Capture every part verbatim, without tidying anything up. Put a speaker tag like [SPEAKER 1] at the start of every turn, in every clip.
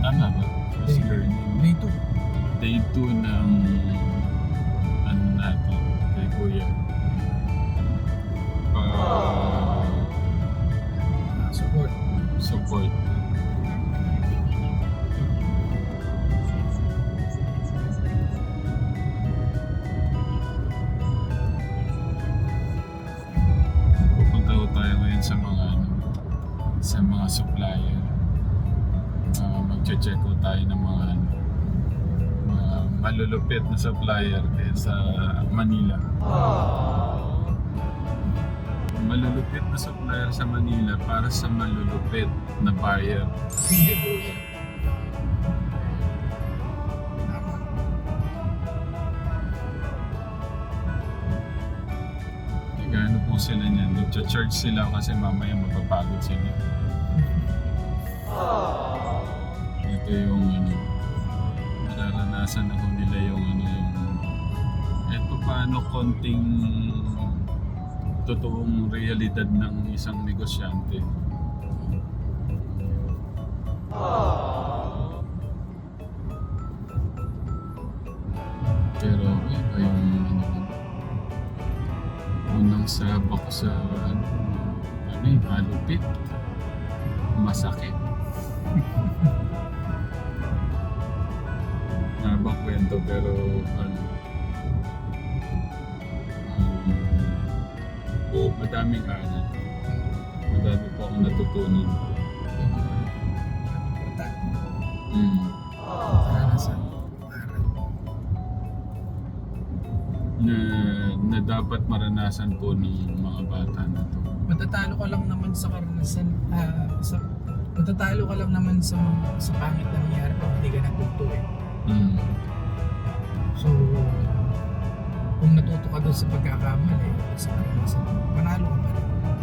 [SPEAKER 1] Tama ba? First learning.
[SPEAKER 2] Day two.
[SPEAKER 1] Day two ng ano natin kay Kuya. Uh,
[SPEAKER 2] Support.
[SPEAKER 1] support. Pupunta ko tayo ngayon sa mga ano, sa mga supplier. Uh, Mag-check ko tayo ng mga ano, mga malulupit na supplier kaya sa Manila. Malulupit na supplier sa Manila para sa malulupit na buyer.
[SPEAKER 2] Hindi po yan. Tama.
[SPEAKER 1] Nagano po sila niyan. Nag-charge sila kasi mamaya mapapagod sila. Ito yung ano, nararanasan ako nila yung ano yung eh paano konting totoong realidad ng isang negosyante. Pero iba yung ano, unang sabak sa ano, ano yung malupit, masakit. Nabang kwento pero ano, um, madaming aral. Madami po akong natutunan. Mm.
[SPEAKER 2] Karanasan. Aral.
[SPEAKER 1] Na, na dapat maranasan po ng mga bata na to.
[SPEAKER 2] Matatalo ka lang naman sa karanasan. ah, sa, matatalo ka lang naman sa, sa pangit na nangyari pag hindi ka natuto eh.
[SPEAKER 1] Mm.
[SPEAKER 2] So, kung natuto ka doon sa pagkakamali, sa karanasan, panalo ka pa rin.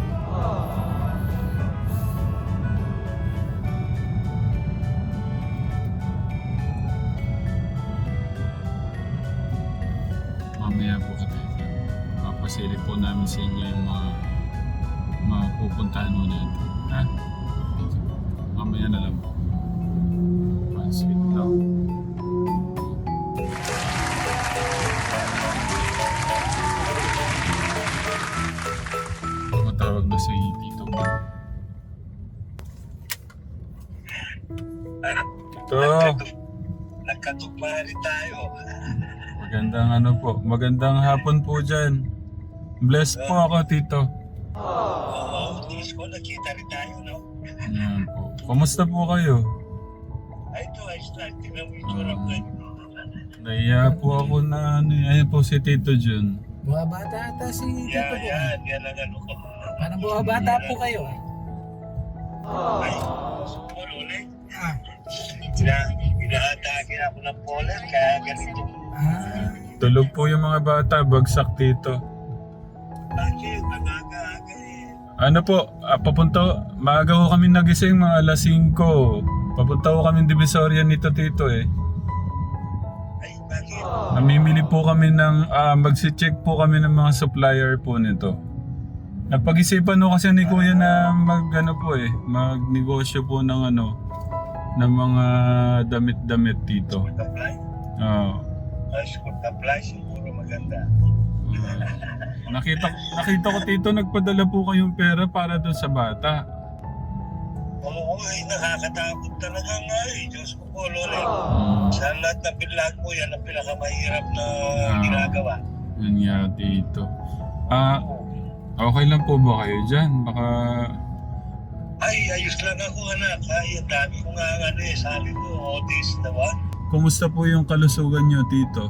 [SPEAKER 1] Mamaya po kami. Papasilip po namin sa inyo yung mga mga pupuntahan mo natin. Ha? Mamaya na lang po. Pasilip lang. Tumatawag na si Tito. Tito!
[SPEAKER 3] Nagkatugma rin tayo.
[SPEAKER 1] Magandang ano po, magandang hapon po dyan. Blessed po ako, Tito.
[SPEAKER 3] Oo, tiis ko, nakita rin tayo, no?
[SPEAKER 1] Ayan po. Kumusta po kayo?
[SPEAKER 3] Ay, ito, ayos na. Tingnan mo yung tsura ko.
[SPEAKER 1] Naiya po ako na ano, eh. Ayan po si Tito Jun.
[SPEAKER 2] Buha bata ata si Tito
[SPEAKER 3] Yan,
[SPEAKER 2] po.
[SPEAKER 3] yan, yan ang ano ko.
[SPEAKER 2] Parang buha bata po kayo ah.
[SPEAKER 3] Ay, sumul ulit.
[SPEAKER 2] Ah.
[SPEAKER 3] Ina, inaatake ako ng polar, kaya ganito.
[SPEAKER 2] Ah.
[SPEAKER 1] Tulog po yung mga bata, bagsak Tito.
[SPEAKER 3] Bakit? Aga-aga eh.
[SPEAKER 1] Ano po, ah, papunta, maaga ko kami nagising mga alas singko. Papunta ko kami Divisoria nito Tito eh.
[SPEAKER 3] Ay, bakit?
[SPEAKER 1] Namimili po kami ng, ah, magsi-check po kami ng mga supplier po nito. Napag-isipan ko kasi ni Kuya na mag ano po eh, magnegosyo po ng ano, ng mga damit-damit dito.
[SPEAKER 3] School apply?
[SPEAKER 1] Oo.
[SPEAKER 3] Ah, school apply, siguro maganda.
[SPEAKER 1] Nakita nakita ko Tito nagpadala po kayong pera para doon sa bata.
[SPEAKER 3] Oo, ay, nakakatakot talaga nga eh. Diyos ko po, Lord.
[SPEAKER 1] Mm.
[SPEAKER 3] Sa lahat ng pinlag mo, yan ang pinakamahirap na
[SPEAKER 1] Ah.
[SPEAKER 3] ginagawa.
[SPEAKER 1] Yun nga Tito. Ah, okay lang po ba kayo dyan? Baka
[SPEAKER 3] Ay, ayos lang ako, anak. Ay, ang dami ko nga ano eh. Sabi ko, oh, this the one.
[SPEAKER 1] kumusta po yung kalusugan nyo Tito?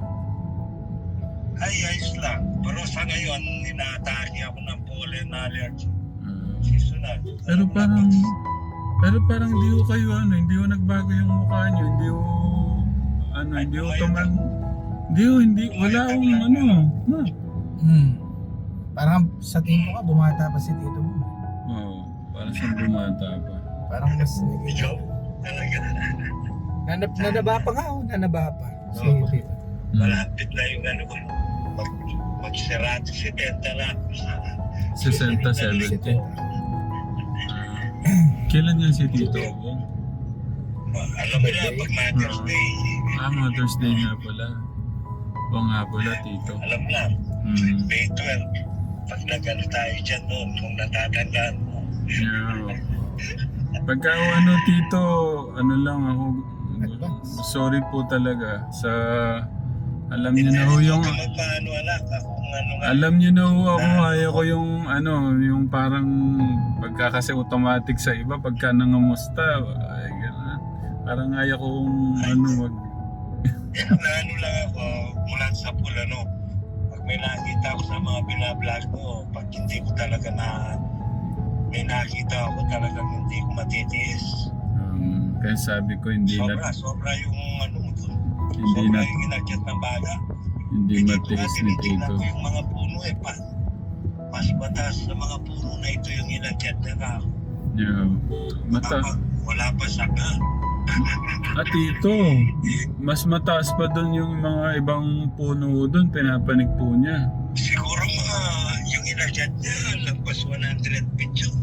[SPEAKER 3] Ay, ayos lang. Pero sa ngayon, inaatake ako ng pollen allergy.
[SPEAKER 1] Ah,
[SPEAKER 3] Seasonal.
[SPEAKER 1] pero parang pero parang hindi ko kayo ano, hindi ko nagbago yung mukha nyo, hindi ko ano, hindi ko tuman hindi ko, hindi, wala akong ano, na.
[SPEAKER 2] Hmm. Parang sa tingin ko ka, bumata pa si Tito mo.
[SPEAKER 1] Oo, parang siyang bumata pa.
[SPEAKER 2] Parang mas naging...
[SPEAKER 3] Ikaw, talaga.
[SPEAKER 2] Nanab nanaba pa nga oh, nanaba pa. Si
[SPEAKER 3] Oo.
[SPEAKER 2] Tito.
[SPEAKER 1] Mm.
[SPEAKER 3] Malapit na yung ano ko. Mag, mag-serati si Tenta na.
[SPEAKER 1] sixty, seventy. Kailan yan si Tito?
[SPEAKER 3] Alam mo na, pag Mother's Day,
[SPEAKER 1] Ah, Mother's Day nga pala. O nga pala, tito.
[SPEAKER 3] alam na,
[SPEAKER 1] Hmm.
[SPEAKER 3] May twelve. Pag nag-ano tayo dyan noon, kung natatandaan mo.
[SPEAKER 1] Yeah. Pagka ano, tito, ano lang ako, sorry po talaga sa, alam niyo na ho yung,
[SPEAKER 3] Hindi ka magpaano anak, kung ano nga.
[SPEAKER 1] alam niyo na ho ako, ayaw ko yung, ano, yung parang, pagka kasi automatic sa iba, pagka nangamusta, ay, gano'n. Parang ayaw kong, ano, mag,
[SPEAKER 3] Eh, na ano lang ako, mula sa pool, ano, pag may nakita ako sa mga binablog mo, pag hindi ko talaga na, may nakita ako talagang hindi ko matitiis.
[SPEAKER 1] um, kaya sabi ko, hindi
[SPEAKER 3] Sobra,
[SPEAKER 1] na,
[SPEAKER 3] sobra yung ano mo doon.
[SPEAKER 1] hindi
[SPEAKER 3] Sobra
[SPEAKER 1] na,
[SPEAKER 3] yung inakyat ng baga.
[SPEAKER 1] hindi
[SPEAKER 3] Hindi ko
[SPEAKER 1] matiis
[SPEAKER 3] nga
[SPEAKER 1] ni
[SPEAKER 3] tinitingnan
[SPEAKER 1] tito.
[SPEAKER 3] ko yung mga puno eh, pa. Mas mataas sa mga puno na ito yung inakyat na ka.
[SPEAKER 1] Yeah. Mata,
[SPEAKER 3] Kapag wala pa saka.
[SPEAKER 1] at tito, mas mataas pa doon yung mga ibang puno doon, pinapanig po niya.
[SPEAKER 3] Siguro mga yung inakyat niya, lampas one hundred feet yun.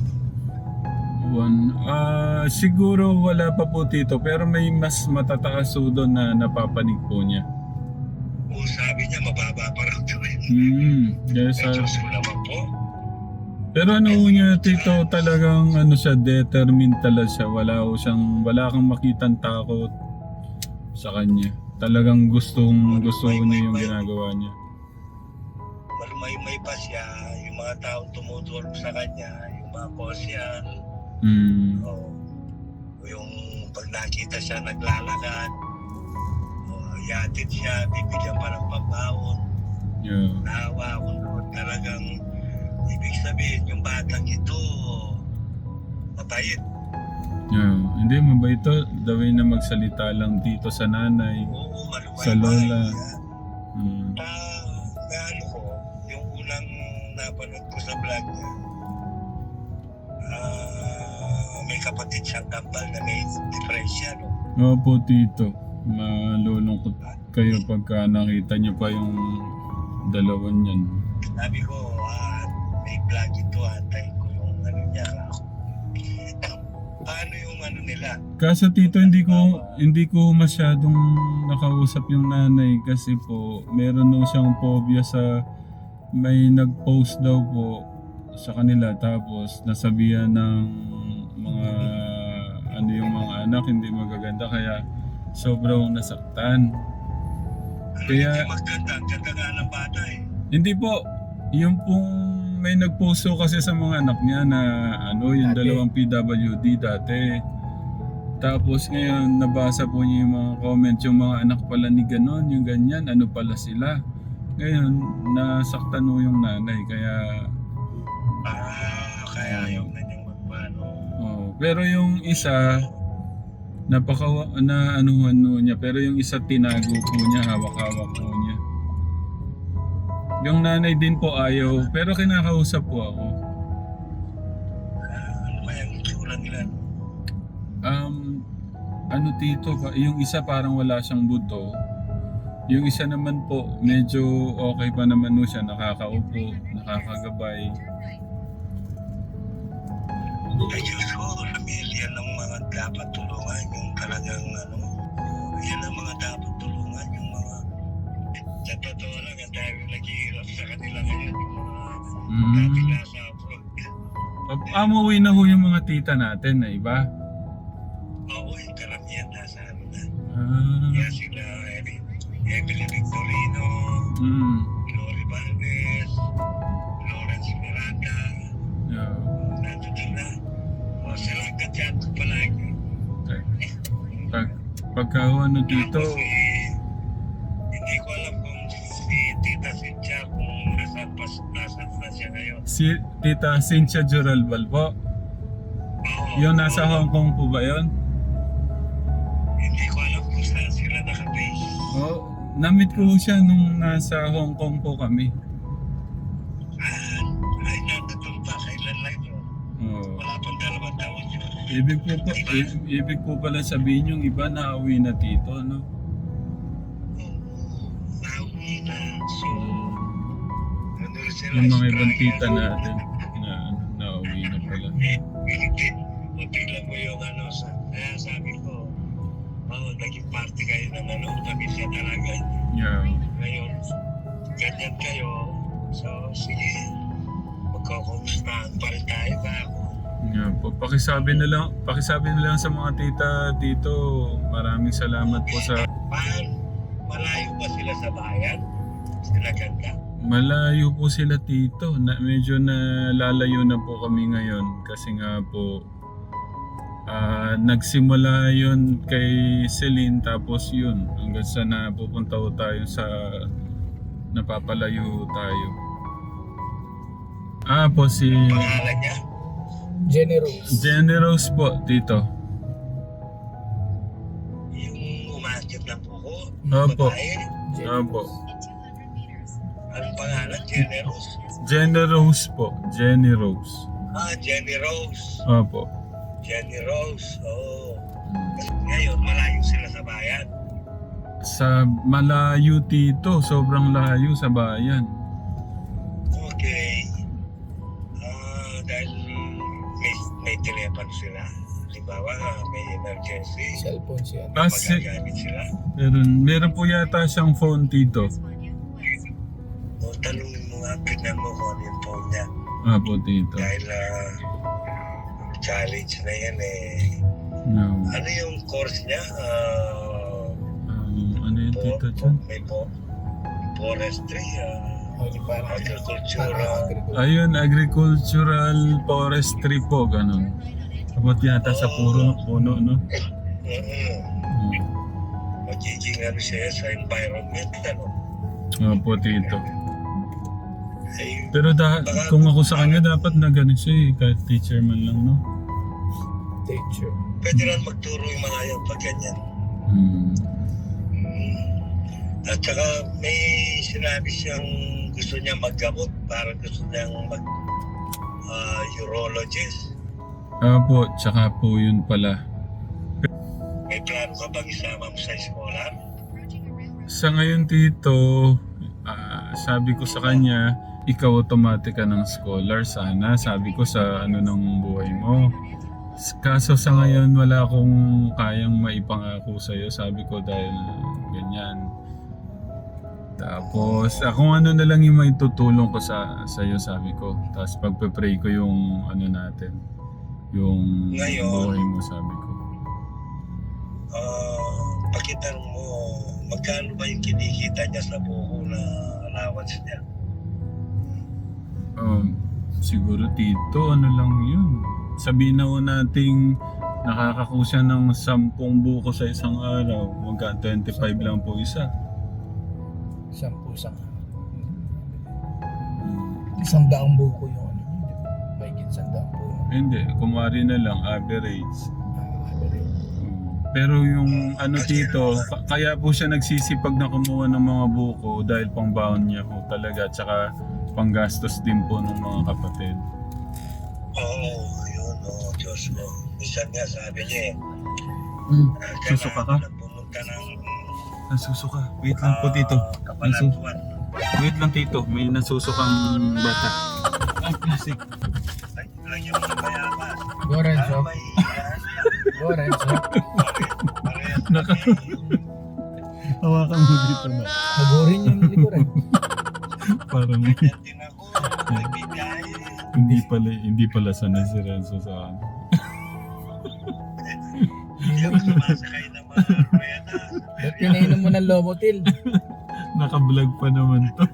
[SPEAKER 1] One, ah siguro wala pa po tito, pero may mas matataas po doon na napapanig po niya.
[SPEAKER 3] O sabi niya, mababa pa raw ito eh.
[SPEAKER 1] Hmm, yes,
[SPEAKER 3] Eh,
[SPEAKER 1] sir.
[SPEAKER 3] Diyos ko naman po.
[SPEAKER 1] Pero ano ho niya tito, talagang ano siya, determined talaga siya. Wala ho siyang, wala kang makitang takot sa kanya. Talagang gustong, gusto niya yung ginagawa niya.
[SPEAKER 3] Malumay-may pa siya, yung mga taong tumutulong sa kanya, yung mga kosyan,
[SPEAKER 1] Hmm,
[SPEAKER 3] o yung pag nakita siya naglalakad, o yatid siya, bibigyan pa ng pambaon,
[SPEAKER 1] yeah.
[SPEAKER 3] naawa ako doon. Talagang, ibig sabihin, yung batang ito, mabait.
[SPEAKER 1] Yeah. Hindi, mabait to. The way na magsalita lang dito sa nanay,
[SPEAKER 3] Oo, malumay
[SPEAKER 1] sa lola. Hmm.
[SPEAKER 3] Ah, may ano ko, yung unang napanood ko sa vlog niya, ah, may kapatid siyang kambal na may depresya, no?
[SPEAKER 1] Opo, tito. Malulungkot kayo pagka nakita niyo pa yung dalawan niyan.
[SPEAKER 3] Sabi ko, ah, may vlog ito, antayin ko yung ano niya ka. Paano yung ano nila?
[SPEAKER 1] Kaso tito, hindi ko hindi ko masyadong nakausap yung nanay kasi po meron daw siyang phobia sa may nag-post daw po sa kanila tapos nasabihan ng mga ano yung mga anak hindi magaganda kaya sobrang nasaktan.
[SPEAKER 3] Ano
[SPEAKER 1] Kaya-
[SPEAKER 3] hindi maganda? Ang ganda nga ng bata eh.
[SPEAKER 1] Hindi po, yung pong may nag-post po kasi sa mga anak niya na ano yung
[SPEAKER 2] Dati.
[SPEAKER 1] dalawang P W D dati. Tapos ngayon nabasa po niya yung mga comment yung mga anak pala ni ganon, yung ganyan, ano pala sila. Ngayon nasaktan po yung nanay kaya
[SPEAKER 3] Ah, kaya ayaw na niyang magpano.
[SPEAKER 1] oh, pero yung isa napaka na anuhan no niya pero yung isa tinago po niya, hawak-hawak po niya. Yung nanay din po ayaw pero kinakausap po ako.
[SPEAKER 3] Ah, ano kaya ang itsura nila?
[SPEAKER 1] Um, ano tito, pa- yung isa parang wala siyang buto. Yung isa naman po, medyo okay pa naman no siya, nakakaupo, nakakagabay.
[SPEAKER 3] Ay Diyos ko, pamilya ng mga dapat tulungan, yung talagang ano, yan ang mga dapat tulungan, yung mga, sa totoo lang, ang dahil naghihirap sa kanila ngayon, yung mga
[SPEAKER 1] Mm.
[SPEAKER 3] dating nasa abroad.
[SPEAKER 1] Amuwi na ho yung mga tita natin na iba.
[SPEAKER 3] Oo, yung karamihan nasa ano na.
[SPEAKER 1] Ah,
[SPEAKER 3] Kaya sila, Emily, Emily Victorino,
[SPEAKER 1] mm,
[SPEAKER 3] Glory Valdez, Lawrence Miranda,
[SPEAKER 1] yeah.
[SPEAKER 3] nandun na. O, sila ang kadyat ko palagi.
[SPEAKER 1] Pag, pagka ho, ano dito,
[SPEAKER 3] Tapos, eh, hindi ko alam kung si Tita Cynthia kung nasaan pa, nasaan na siya ngayon.
[SPEAKER 1] si tita Cynthia Juralbal po.
[SPEAKER 3] Oo,
[SPEAKER 1] Yung nasa Hong Kong po ba yun?
[SPEAKER 3] Hindi ko alam kung saan sila nakabase.
[SPEAKER 1] Oh, na-meet ko ho siya nung nasa Hong Kong po kami.
[SPEAKER 3] Ah, ay, nandun pa, kailan lang yun.
[SPEAKER 1] Oh.
[SPEAKER 3] Wala pang dalawang taon yun.
[SPEAKER 1] Ibig po, po i- ibig po pala sabihin yung iba nauwi na dito, no?
[SPEAKER 3] Nauwi na. So, ano sila?
[SPEAKER 1] Yung mga ibang
[SPEAKER 3] Australia.
[SPEAKER 1] tita natin na ano, nauwi na pala.
[SPEAKER 3] Hindi. Matiglan mo yung ano sa... Kaya sabi ko, parte kayo ng ano, tamis ka talaga.
[SPEAKER 1] Yeah.
[SPEAKER 3] Ngayon, ganyan kayo. So, sige, magkakumustahan pa rin tayo ba ako?
[SPEAKER 1] Yeah, po. Pakisabi na lang, pakisabi na lang sa mga tita dito. Maraming salamat po sa
[SPEAKER 3] Paano? Malayo ba sila sa bayan? Sila ganda?
[SPEAKER 1] malayo po sila tito. Na, medyo na lalayo na po kami ngayon kasi nga po ah, nagsimula yun kay Celine tapos yun hanggang sa napupunta po tayo sa napapalayo tayo. Ah po si
[SPEAKER 3] Pangalan niya?
[SPEAKER 2] Generous.
[SPEAKER 1] Generous po tito.
[SPEAKER 3] Yung umakyat na po ko?
[SPEAKER 1] Opo.
[SPEAKER 3] Babae?
[SPEAKER 1] Opo.
[SPEAKER 3] Anong pangalan? Generous?
[SPEAKER 1] Jenny Rose po. Jenny Rose.
[SPEAKER 3] Ah, Jenny Rose.
[SPEAKER 1] Opo.
[SPEAKER 3] Jenny Rose, oo. Ngayon, malayo sila sa bayan.
[SPEAKER 1] Sa malayo tito, sobrang layo sa bayan.
[SPEAKER 3] Okay. Ah, dahil may, may telepono sila. Halimbawa, may emergency.
[SPEAKER 2] Cellphone siya.
[SPEAKER 1] Kasi
[SPEAKER 3] Magagamit sila.
[SPEAKER 1] meron, meron po yata siyang phone tito.
[SPEAKER 3] O, tanongin mo nga, tignan mo kung ano yung phone niya.
[SPEAKER 1] Opo tito.
[SPEAKER 3] Dahil ah, challenge na yan eh.
[SPEAKER 1] No.
[SPEAKER 3] Ano yung course niya? Ah,
[SPEAKER 1] Um, ano yung
[SPEAKER 3] po,
[SPEAKER 1] tito
[SPEAKER 3] po,
[SPEAKER 1] dyan?
[SPEAKER 3] may po, forestry, ah,
[SPEAKER 2] O, yung parang
[SPEAKER 3] agriculture.
[SPEAKER 2] parang
[SPEAKER 3] ah,
[SPEAKER 2] agriculture.
[SPEAKER 1] Ayun, agricultural forestry po, ganun. Abot yata sa puro puno, no?
[SPEAKER 3] mm,
[SPEAKER 1] Hmm.
[SPEAKER 3] magiging ano siya sa environment, ano?
[SPEAKER 1] Opo tito.
[SPEAKER 3] Ay,
[SPEAKER 1] Pero da, kung ako sa kanya, dapat na ganun siya eh, kahit teacher man lang, no?
[SPEAKER 2] Teacher.
[SPEAKER 3] pwede rin magturo yung mga yan pag ganyan.
[SPEAKER 1] Hmm.
[SPEAKER 3] Mm. At saka may sinabi siyang gusto niya maggamot, parang gusto niyang mag ah, urologist.
[SPEAKER 1] Opo, tsaka po yun pala.
[SPEAKER 3] May plano ka bang isama mo sa eskwela?
[SPEAKER 1] Sa ngayon tito, ah, sabi ko sa kanya, ikaw automatic ka ng scholar sana. Sabi ko sa ano ng buhay mo. S- Kaso sa ngayon wala akong kayang maipangako sa'yo. Sabi ko dahil ganyan. Tapos ako ano na lang yung may tutulong ko sa sa'yo sabi ko. Tapos pagpe-pray ko yung ano natin. Yung
[SPEAKER 3] Ngayon.
[SPEAKER 1] buhay mo sabi ko.
[SPEAKER 3] Ah, pakitanong mo, magkano ba yung kinikita niya sa buko na allowance niya?
[SPEAKER 1] Um, siguro tito, ano lang yun. Sabihin na ho nating nakakakusa ng sampung buko sa isang araw. Magka twenty-five lang po isa.
[SPEAKER 2] Sampu sang
[SPEAKER 1] Hmm.
[SPEAKER 2] isang daang buko yung ano. Mahigit isang daang buko.
[SPEAKER 1] Hindi, kumari na lang, average.
[SPEAKER 2] Ah, average.
[SPEAKER 1] Hmm. Pero yung ano tito, ka- kaya po siya nagsisipag na kumuha ng mga buko dahil pangbaon niya po talaga. Tsaka panggastos din po ng mga kapatid.
[SPEAKER 3] Oo, yun, oo, Diyos mo. Minsan nga sabi niya eh,
[SPEAKER 1] Hmm.
[SPEAKER 3] ah,
[SPEAKER 1] Susuka ka?
[SPEAKER 3] kailangan pumunta ng
[SPEAKER 1] Nasusuka. Wait lang po tito.
[SPEAKER 3] ah, Kabanatuan.
[SPEAKER 1] Wait lang tito, may nasusukang bata. Ay, plastic.
[SPEAKER 3] Ay, lang yung mga mayaman.
[SPEAKER 2] Go Renzo.
[SPEAKER 3] Ah, may ah,
[SPEAKER 2] Go Renzo.
[SPEAKER 3] parehas
[SPEAKER 1] Naka-
[SPEAKER 3] kami.
[SPEAKER 1] Hawakan mo dito na.
[SPEAKER 2] Hagurin yung likuran.
[SPEAKER 1] Parang
[SPEAKER 3] Ganyan din ako, nagbibigay.
[SPEAKER 1] hindi pala hindi pala sanay si Renzo sa ano.
[SPEAKER 3] Hindi ako sumasakay ng mga rueda.
[SPEAKER 2] Ba't pinainom mo ng Lomotil?
[SPEAKER 1] Naka-vlog pa naman to.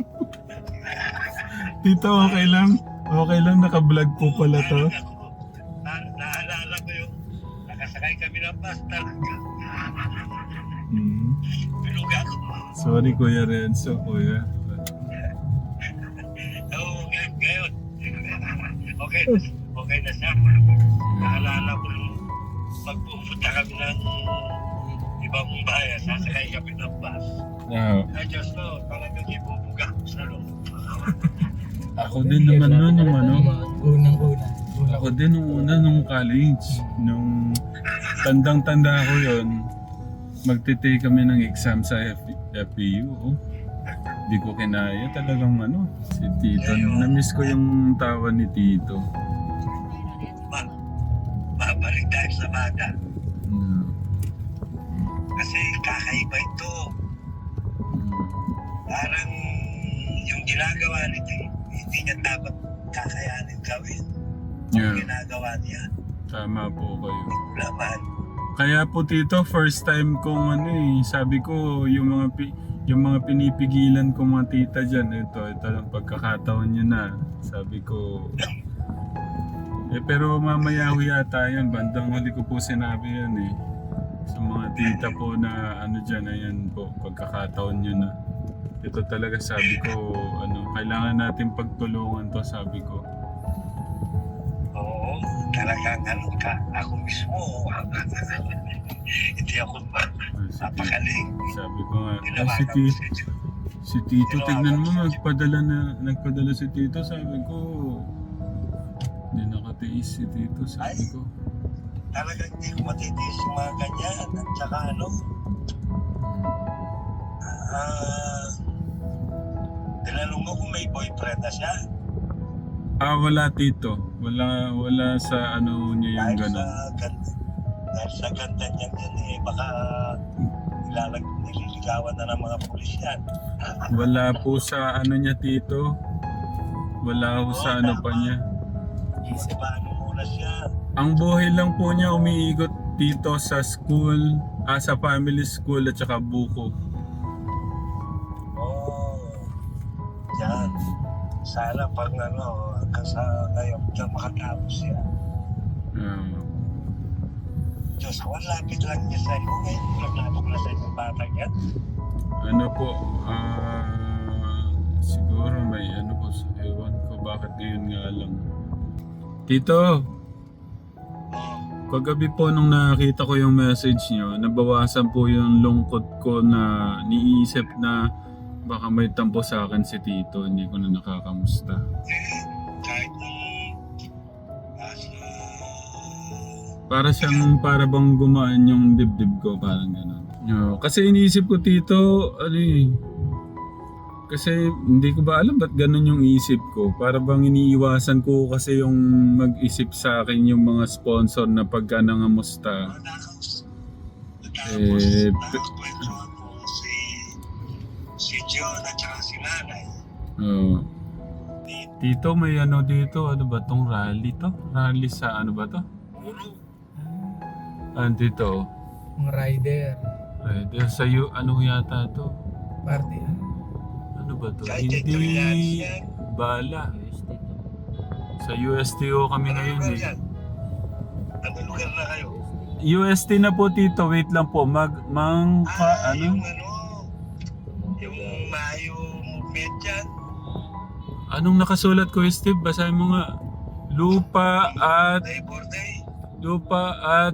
[SPEAKER 1] Tito, okay lang? Okay lang, naka-vlog po pala to.
[SPEAKER 3] Na- Naalala ko yung nakasakay kami ng bus talaga.
[SPEAKER 1] Hmm.
[SPEAKER 3] Binuga ko.
[SPEAKER 1] Sorry Kuya Renzo, Kuya.
[SPEAKER 3] Oo, ngay- ngayon. Okay, okay na siya. Naalala ko nung pagpupunta kami ng ibang bayan, sasakay kami ng bus.
[SPEAKER 1] Ah,
[SPEAKER 3] Ay, Diyos ko, talagang ibubuga ko sa loob.
[SPEAKER 1] ako din naman nun, nung ano.
[SPEAKER 2] Unang-una. Unang
[SPEAKER 1] Ako din nung una, nung college. Nung tandang-tanda ko yon magtitake kami ng exam sa F P U. Oh. Di ko kinaya talagang ano, si Tito. Na-miss ko yung tawa ni Tito.
[SPEAKER 3] Ba, babalik tayo sa bata.
[SPEAKER 1] Hmm.
[SPEAKER 3] Kasi kakaiba ito.
[SPEAKER 1] Mm.
[SPEAKER 3] Parang yung ginagawa nito, hindi niya dapat kakayanin gawin.
[SPEAKER 1] Yeah.
[SPEAKER 3] Yung ginagawa niya,
[SPEAKER 1] Tama po kayo.
[SPEAKER 3] laban.
[SPEAKER 1] Kaya po tito, first time kong ano eh, sabi ko yung mga pi- yung mga pinipigilan kong mga tita dyan, ito, ito lang pagkakataon nyo na. Sabi ko, eh pero mamaya ho yata yun, bandang huli ko po sinabi yan eh. Sa mga tita po na ano dyan, ayan po, pagkakataon nyo na. Ito talaga sabi ko, ano, kailangan natin pagtulungan to, sabi ko.
[SPEAKER 3] Oo, talagang ano ka, ako mismo, hindi ako
[SPEAKER 1] Ah, si,
[SPEAKER 3] napakaling.
[SPEAKER 1] sabi ko nga, eh,
[SPEAKER 3] Ginawa
[SPEAKER 1] si,
[SPEAKER 3] ko
[SPEAKER 1] ti-
[SPEAKER 3] si Diyos.
[SPEAKER 1] si Tito, tignan mo, nagpadala na, nagpadala si Tito, sabi ko, hindi nakatiis si Tito, sabi ko.
[SPEAKER 3] Talagang hindi ko matitiis yung mga ganyan. At saka ano, ah, tinanong mo kung may boyfriend na siya.
[SPEAKER 1] Ah, wala Tito, wala, wala sa ano niya yung
[SPEAKER 3] Dahil sa
[SPEAKER 1] gano'n.
[SPEAKER 3] ganda, dahil sa ganda niya yan eh, baka nilalag, nililigawan na ng mga pulis yan.
[SPEAKER 1] Wala po sa ano niya Tito, wala po sa ano pa niya.
[SPEAKER 3] Isip paano muna siya.
[SPEAKER 1] Ang buhay lang po niya umiikot dito sa school, ah, sa family school at saka buko.
[SPEAKER 3] Oh, yan. Sana pag ano, hanggang sa ngayon, na makatapos siya.
[SPEAKER 1] Ah,
[SPEAKER 3] Diyos ko, ang lapit lang niya sa iyo. Ngayon, lang natuklasan yung batang yan.
[SPEAKER 1] ano po, ah, siguro may ano po, ewan ko bakit ngayon nga lang. Tito,
[SPEAKER 3] Oh,
[SPEAKER 1] kagabi po nung nakita ko yung message nyo, nabawasan po yung lungkot ko na niisip na baka may tampo sa akin si Tito, hindi ko na nakakamusta.
[SPEAKER 3] eh, kahit nung nasa...
[SPEAKER 1] Para siyang, para bang gumaan yung dibdib ko, parang gano'n. No, kasi iniisip ko Tito, ano eh, kasi hindi ko ba alam ba't ganun yung isip ko. Para bang iniiwasan ko kasi yung mag-isip sa akin yung mga sponsor na pagka nangamusta.
[SPEAKER 3] Tapos,
[SPEAKER 1] Eh,
[SPEAKER 3] nakakwento ako si si John at saka si Nanay.
[SPEAKER 1] Oh. Tito, may ano dito, ano ba tong rally to? Rally sa ano ba to?
[SPEAKER 3] Puro,
[SPEAKER 1] Ano dito?
[SPEAKER 2] Mga rider.
[SPEAKER 1] Eh, di- sa iyo, ano yata to?
[SPEAKER 2] Party. ah.
[SPEAKER 1] Ano ba to?
[SPEAKER 3] kahit ito yan,
[SPEAKER 1] Hindi
[SPEAKER 3] yan.
[SPEAKER 1] bala. Sa U S T O kami
[SPEAKER 3] Anong
[SPEAKER 1] ngayon
[SPEAKER 3] lugar
[SPEAKER 1] eh.
[SPEAKER 3] yan? Anong lugar na kayo?
[SPEAKER 1] U S T na po Tito, wait lang po. Mag, mang,
[SPEAKER 3] Ah,
[SPEAKER 1] ka,
[SPEAKER 3] yung
[SPEAKER 1] ano?
[SPEAKER 3] ano, yung Mayo movement yan.
[SPEAKER 1] Anong nakasulat ko Steve? Basahin mo nga. Lupa at,
[SPEAKER 3] Labor Day.
[SPEAKER 1] lupa at,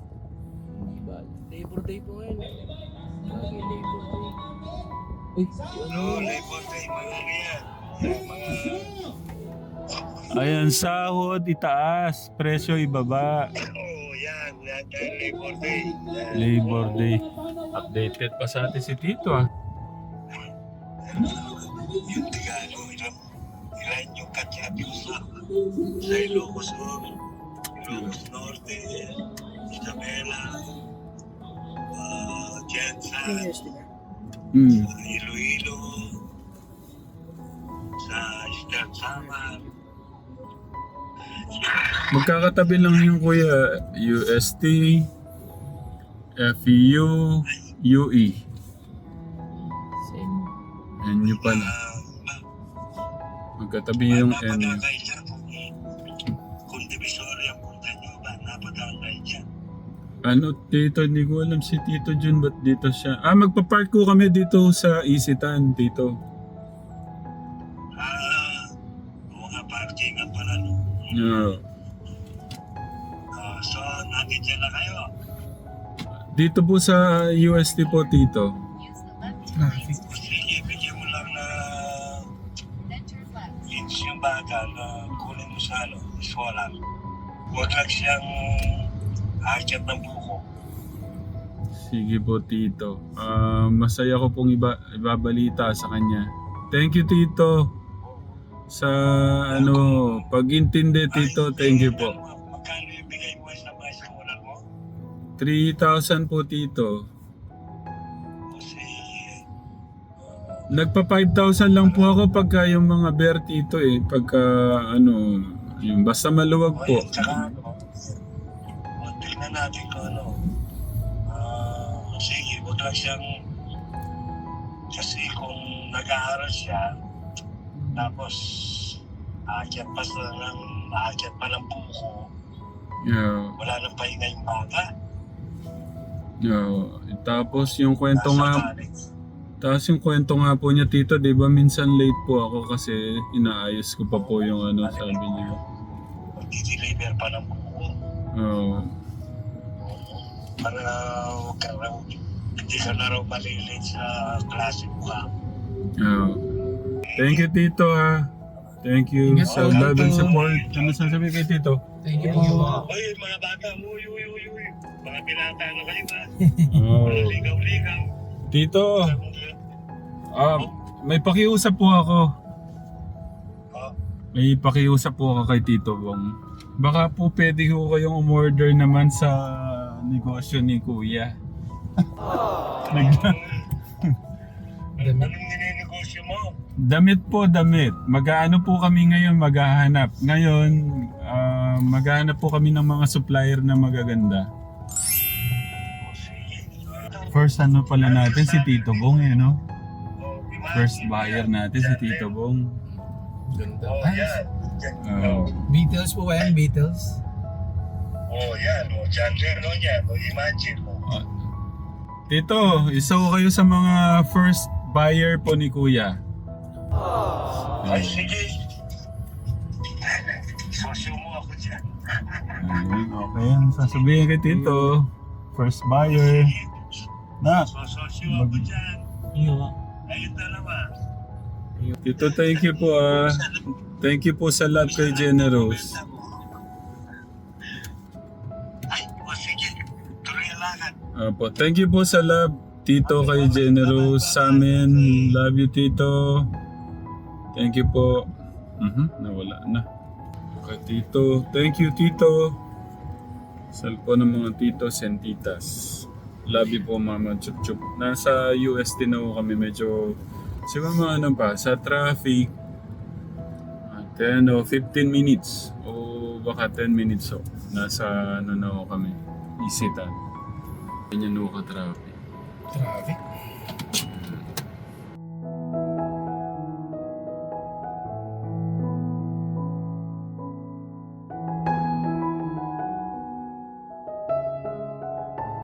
[SPEAKER 2] Labor Day po ngayon. Bagay Labor Day. Uy,
[SPEAKER 3] No, Labor Day, mga ano yan. Yung mga...
[SPEAKER 1] ayan, sahod itaas, presyo ibaba.
[SPEAKER 3] Oh, yan. Yan, yan, Labor Day. Yan.
[SPEAKER 1] Labor Day. Updated pa sa atin si Tito ah.
[SPEAKER 3] Yung Tagalog, ilan, ilan yung katsati ko sa, sa Ilocos Sur, Ilocos Norte, Isabela, uh, Jensan,
[SPEAKER 1] Mm.
[SPEAKER 3] sa Iloilo, sa Eastern Samar.
[SPEAKER 1] Magkakatabi lang yung kuya, U S T, F E U, U E. N U pala.
[SPEAKER 3] Uh,
[SPEAKER 1] Magkatabi yung N.
[SPEAKER 3] napadagay dyan kung, kung Divisoria ang punta nyo ba, napadagay dyan.
[SPEAKER 1] Ano, Tito, hindi ko alam si Tito Jun, ba't dito siya? Ah, magpa-park ko kami dito sa Isitan, Tito.
[SPEAKER 3] Ah, uh, mga parking at pala no.
[SPEAKER 1] Yeah.
[SPEAKER 3] Uh, so, nandito na kayo.
[SPEAKER 1] Dito po sa U S T po, Tito.
[SPEAKER 2] Traffic.
[SPEAKER 3] Sige, bigyan mo lang na hints yung baga na kunin mo sa ano, solar. Huwag lang siyang akyat ng buko.
[SPEAKER 1] Sige po, Tito. Ah, masaya ko pong iba, ibabalita sa kanya. Thank you, Tito. Sa ano, pag-intindi, Tito. Thank you po.
[SPEAKER 3] Magkano yung bigay mo sa mga solar mo?
[SPEAKER 1] three thousand po, Tito. Nagpa five thousand lang po ako pagka yung mga bear tito eh. Pagka ano, yung basta maluwag
[SPEAKER 3] O
[SPEAKER 1] po.
[SPEAKER 3] yun, tsaka ano, o, tingnan natin kung ano. Ah, sige, huwag lang siyang, kasi kung nag-aaral siya, tapos aakyat pa sa ng aakyat pa ng buko,
[SPEAKER 1] Yeah.
[SPEAKER 3] wala nang pahinga yung bata.
[SPEAKER 1] Yeah. Tapos yung kwento
[SPEAKER 3] Nasa
[SPEAKER 1] nga,
[SPEAKER 3] college.
[SPEAKER 1] tapos yung kwento nga po niya tito, di ba minsan late po ako kasi inaayos ko pa po yung ano sabi niya.
[SPEAKER 3] Mag-deliver pa ng buko.
[SPEAKER 1] Oo.
[SPEAKER 3] Para huwag ka raw, hindi ka na raw malilate sa klase mo ka.
[SPEAKER 1] Oo. Thank you tito ha. Thank you
[SPEAKER 2] Ingat
[SPEAKER 1] sa
[SPEAKER 2] po,
[SPEAKER 1] love and
[SPEAKER 2] Tito.
[SPEAKER 1] support. Ano sasabi kay tito?
[SPEAKER 2] Thank you po.
[SPEAKER 3] Oy, mga bata, uy, uy, uy, uy. Mga pinata na kayo ba?
[SPEAKER 1] Oh.
[SPEAKER 3] Mga ligaw-ligaw.
[SPEAKER 1] Tito, ah, may pakiusap po ako.
[SPEAKER 3] Oh,
[SPEAKER 1] May pakiusap po ako kay Tito Bong. Baka po pwede ko kayong umorder naman sa negosyo ni Kuya. Nag-
[SPEAKER 2] Damit.
[SPEAKER 3] anong nininegosyo mo?
[SPEAKER 1] damit po, damit. Mag-aano po kami ngayon, maghahanap. Ngayon, ah, maghahanap po kami ng mga supplier na magaganda.
[SPEAKER 3] O, sige.
[SPEAKER 1] First ano pala natin si Tito Bong eh, no?
[SPEAKER 3] Oh, imagine
[SPEAKER 1] First buyer natin si Tito Bong.
[SPEAKER 2] Ganda.
[SPEAKER 3] Oh,
[SPEAKER 2] Ah,
[SPEAKER 3] yan. Yan.
[SPEAKER 1] Oh.
[SPEAKER 2] Beatles po ba yan? Beatles?
[SPEAKER 3] Oh, yan. O, Chandler, no, yan. O, imagine mo.
[SPEAKER 1] Ah. Tito, isa ko kayo sa mga first buyer po ni Kuya.
[SPEAKER 3] Ay, sige. Sosyo mo ako dyan.
[SPEAKER 1] Ayun, okay. Ano sasabihin kay Tito? First buyer. Na,
[SPEAKER 3] Sosyo ako dyan. Ayun dalawa.
[SPEAKER 1] Tito, thank you po ah. Thank you po sa love kay Generous.
[SPEAKER 3] Ay, o, sige. Tuloy ang lakad.
[SPEAKER 1] Apo, thank you po sa love, Tito kay Generous sa amin. Love you, Tito. Thank you po. Mhm, nawala na. Kay Tito. Thank you, Tito. Sal po ng mga titos and titas. Love you po, Mama Chup Chup. Nasa U S din ako kami medyo siguro mga ano pa, sa traffic ah, ten o fifteen minutes o baka ten minutes so. Nasa ano na ako kami, Isitan. Ganyan ako ka-traffic.
[SPEAKER 2] Traffic.